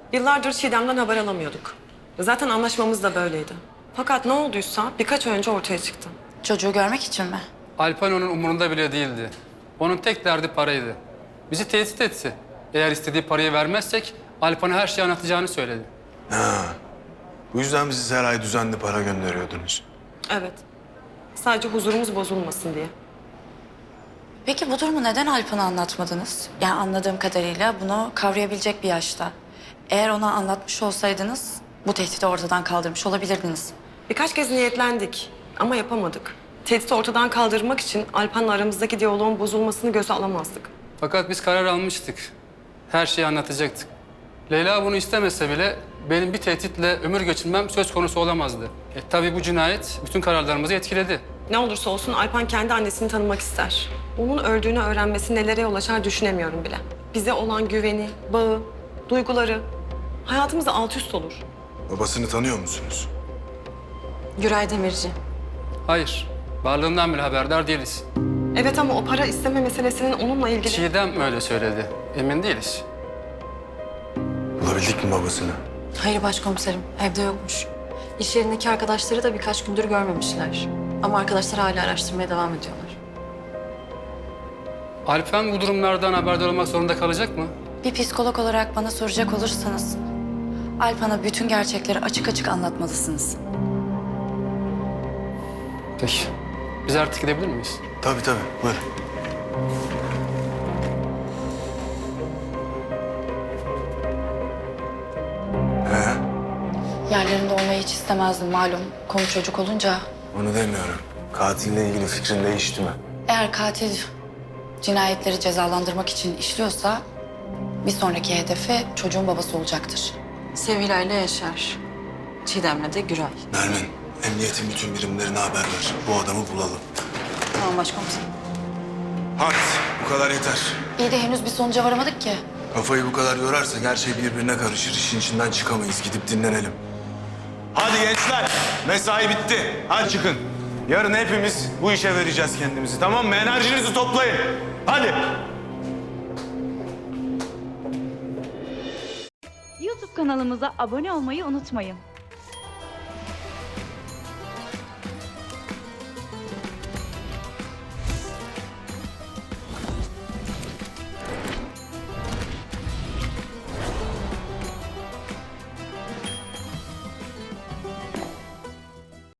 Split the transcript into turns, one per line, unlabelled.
Yıllardır Çiğdem'den haber alamıyorduk. Zaten anlaşmamız da böyleydi. Fakat ne olduysa birkaç ay önce ortaya çıktı.
Çocuğu görmek için mi?
Alpan onun umurunda bile değildi. Onun tek derdi paraydı. Bizi tehdit etti. Eğer istediği parayı vermezsek Alpan'a her şeyi anlatacağını söyledi.
Bu yüzden bizi her ay düzenli para gönderiyordunuz.
Evet. Sadece huzurumuz bozulmasın diye.
Peki bu durumu neden Alpan'a anlatmadınız? Yani anladığım kadarıyla bunu kavrayabilecek bir yaşta. Eğer ona anlatmış olsaydınız bu tehdidi ortadan kaldırmış olabilirdiniz.
Birkaç kez niyetlendik ama yapamadık. Tehdidi ortadan kaldırmak için Alpan'la aramızdaki diyaloğun bozulmasını göze alamazdık.
Fakat biz karar almıştık. Her şeyi anlatacaktık. Leyla bunu istemese bile benim bir tehditle ömür geçirmem söz konusu olamazdı. Tabii bu cinayet bütün kararlarımızı etkiledi.
Ne olursa olsun Alpan kendi annesini tanımak ister. Onun öldüğünü öğrenmesi nelere yol açar düşünemiyorum bile. Bize olan güveni, bağı, duyguları hayatımızda alt üst olur.
Babasını tanıyor musunuz?
Güray Demirci.
Hayır, varlığından bile haberdar değiliz.
Evet ama o para isteme meselesinin onunla ilgili...
Çiğdem öyle söyledi. Emin değiliz.
Bulabildik mi babasını?
Hayır başkomiserim, evde yokmuş. İş yerindeki arkadaşları da birkaç gündür görmemişler. Ama arkadaşlar hala araştırmaya devam ediyorlar.
Alpan bu durumlardan haberdar olmak zorunda kalacak mı?
Bir psikolog olarak bana soracak olursanız Alpan'a bütün gerçekleri açık açık anlatmalısınız.
Peki. Biz artık gidebilir miyiz?
Tabii tabii, buyurun.
Yerlerinde olmayı hiç istemezdim malum. Konu çocuk olunca.
Onu demiyorum. Katille ilgili fikrin değişti mi?
Eğer katil cinayetleri cezalandırmak için işliyorsa bir sonraki hedefi çocuğun babası olacaktır.
Sevilla ile Yaşar. Çiğdem'le de Güray.
Nermin, emniyetin bütün birimlerine haber ver. Bu adamı bulalım.
Tamam başkomiserim.
Hadi, bu kadar yeter.
İyi de henüz bir sonuca varamadık ki.
Kafayı bu kadar yorarsak her şey birbirine karışır. İşin içinden çıkamayız. Gidip dinlenelim. Hadi gençler, mesai bitti. Hadi çıkın. Yarın hepimiz bu işe vereceğiz kendimizi, tamam mı? Enerjinizi toplayın. Hadi.
YouTube kanalımıza abone olmayı unutmayın.